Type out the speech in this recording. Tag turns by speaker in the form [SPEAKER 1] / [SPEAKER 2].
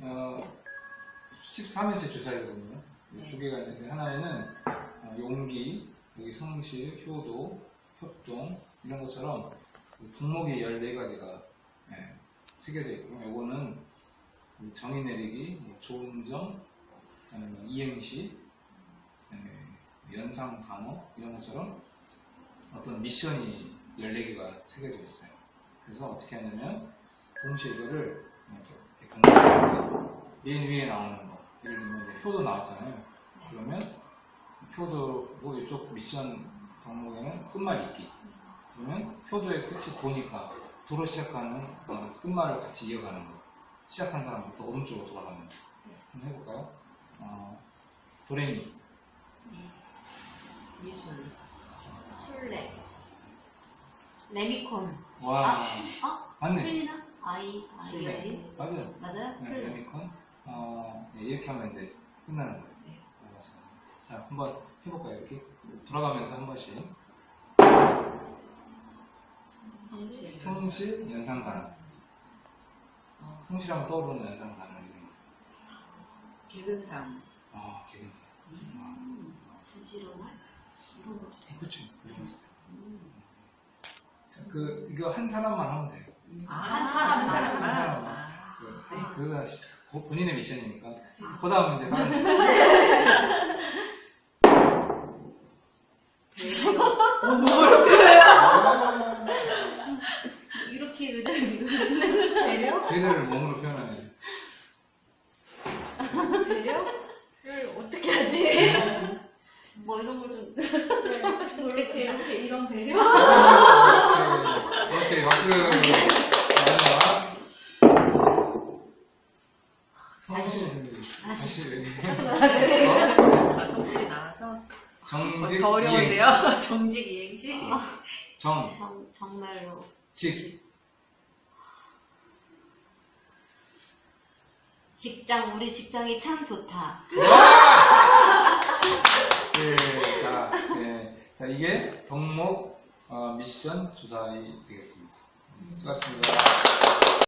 [SPEAKER 1] 13일째 주사이거든요.
[SPEAKER 2] 네.
[SPEAKER 1] 두 개가 있는데, 하나에는 용기, 여기 성실, 효도, 협동, 이런 것처럼 분목이 14가지가 새겨져 있고요. 요거는 정의 내리기, 좋은 점, 이행시, 연상 방어, 이런 것처럼 어떤 미션이 14개가 새겨져 있어요. 그래서 어떻게 하냐면, 동시에 이거를 맨 위에 나오는 거, 예를 들면 이제 효도 나왔잖아요. 그러면 효도고 이쪽 미션 덕목에는 끝말 읽기. 그러면 효도의 끝이 보니까 도로 시작하는 끝말을 같이 이어가는 거. 시작한 사람부터 오른쪽으로 돌아가는 거. 한번 해볼까요? 도레미.
[SPEAKER 2] 미술. 술래. 레미콘.
[SPEAKER 1] 와. 맞네.
[SPEAKER 2] 틀리나? 아이.
[SPEAKER 1] 맞아요.
[SPEAKER 2] 맞아요?
[SPEAKER 1] 네,
[SPEAKER 2] 술래.
[SPEAKER 1] 레미콘. 이렇게 하면 이제 끝나는 거예요.
[SPEAKER 2] 네.
[SPEAKER 1] 자, 한번 해볼까요? 이렇게 돌아가면서 한 번씩. 성실, 연상단어. 성실하면 떠오르는 연상단어.
[SPEAKER 2] 개근상.
[SPEAKER 1] 개근상.
[SPEAKER 2] 진실언어? 이런 것도 되고.
[SPEAKER 1] 그쵸. 자, 이거 한 사람만 하면 돼요.
[SPEAKER 2] 한
[SPEAKER 1] 사람만.
[SPEAKER 2] 사람만.
[SPEAKER 1] 그거 본인의 미션이니까. 그 다음 이제 다른.
[SPEAKER 2] 이렇게 의자를 배려?
[SPEAKER 1] 배려를 몸으로 표현하는.
[SPEAKER 2] 배려를 어떻게 하지? 뭐 이런 걸 좀 이렇게 이런 배려?
[SPEAKER 1] 이렇게 박수.
[SPEAKER 2] 다시.
[SPEAKER 3] 성질이 나와서
[SPEAKER 1] 정직
[SPEAKER 3] 더 어려운데요.
[SPEAKER 1] 이행시.
[SPEAKER 3] 정직 이행시.
[SPEAKER 2] 정말로 직장 우리 직장이 참 좋다.
[SPEAKER 1] 자, 이게 덕목 미션 주사위 되겠습니다. 수고하셨습니다.